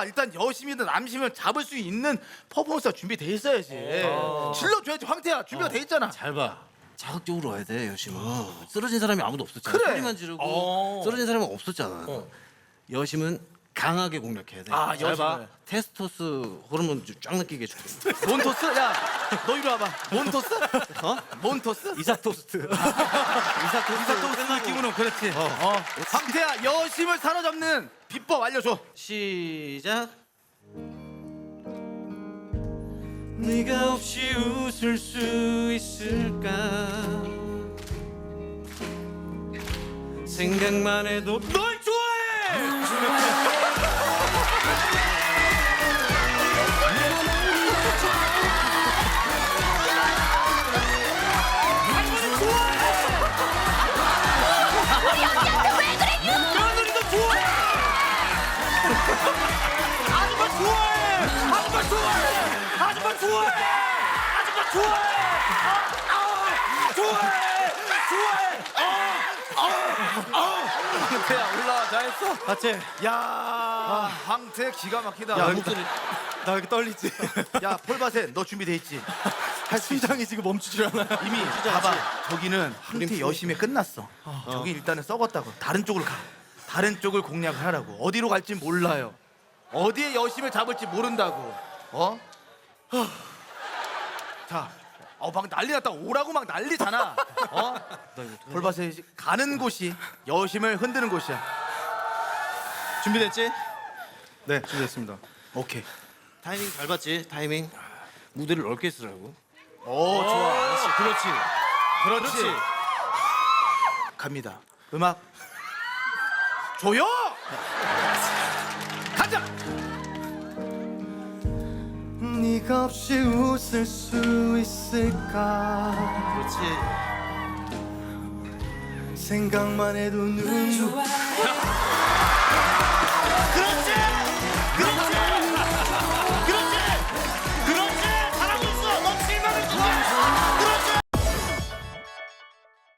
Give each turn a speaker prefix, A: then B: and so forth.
A: 일단 여심이든 남심을 잡을 수 있는 퍼포먼스가 준비돼 있어야지. 질러줘야지. 황태야 준비가 돼 있잖아.
B: 잘 봐. 자극적으로 와야 돼 여심은. 쓰러진 사람이 아무도 없었잖아.
A: 그래.
B: 소리만 지르고 쓰러진 사람은 없었잖아. 여심은 강하게 공략해야 돼.
A: 아,
B: 잘 봐.
A: 여심을.
B: 테스토스 호르몬 쫙 느끼게 해줄게.
A: 몬토스? 야, 너 이리 와봐. 몬토스?
B: 어?
A: 몬토스?
B: 이삭토스트.
A: 이삭토스 느낌으로는 그렇지. 황태야 여심을 사로잡는 비법 알려줘.
B: 시작. 네가 없이 웃을 수 있을까? 생각만 해도 널 좋아해. 며느리도 좋아해. 아줌마 좋아해. 아줌마 좋아해. 아줌마 좋아해. 아줌마 좋아해. 좋아해. 좋아해.
A: 황태야 올라와 잘했어.
B: 맞지?
A: 야, 황태 기가 막히다.
B: 야 목소리
C: 나 이렇게 떨리지?
A: 야 폴바셋 너 준비돼 있지?
C: 심장이 지금 멈추질 않아.
A: 이미 봐봐 저기는 황태 여심이 끝났어. 저기 일단은 썩었다고. 다른 쪽으로 가. 다른 쪽을 공략을 하라고. 어디로 갈지 몰라요. 어디에 여심을 잡을지 모른다고. 어? 자, 막 난리 났다. 오라고 막 난리잖아. 어? 폴바셋이 가는 곳이 여심을 흔드는 곳이야.
C: 준비됐지? 네, 준비됐습니다.
A: 오케이.
B: 타이밍 잘 봤지? 타이밍 무대를 넓게 쓰라고.
A: 오 좋아.
B: 그렇지.
A: 그렇지. 갑니다. 음악 조용. 가자.
C: 네가 없이 웃을 수 있을까?
B: 그렇지.
C: 생각만 해도 눈물.
B: 그렇지.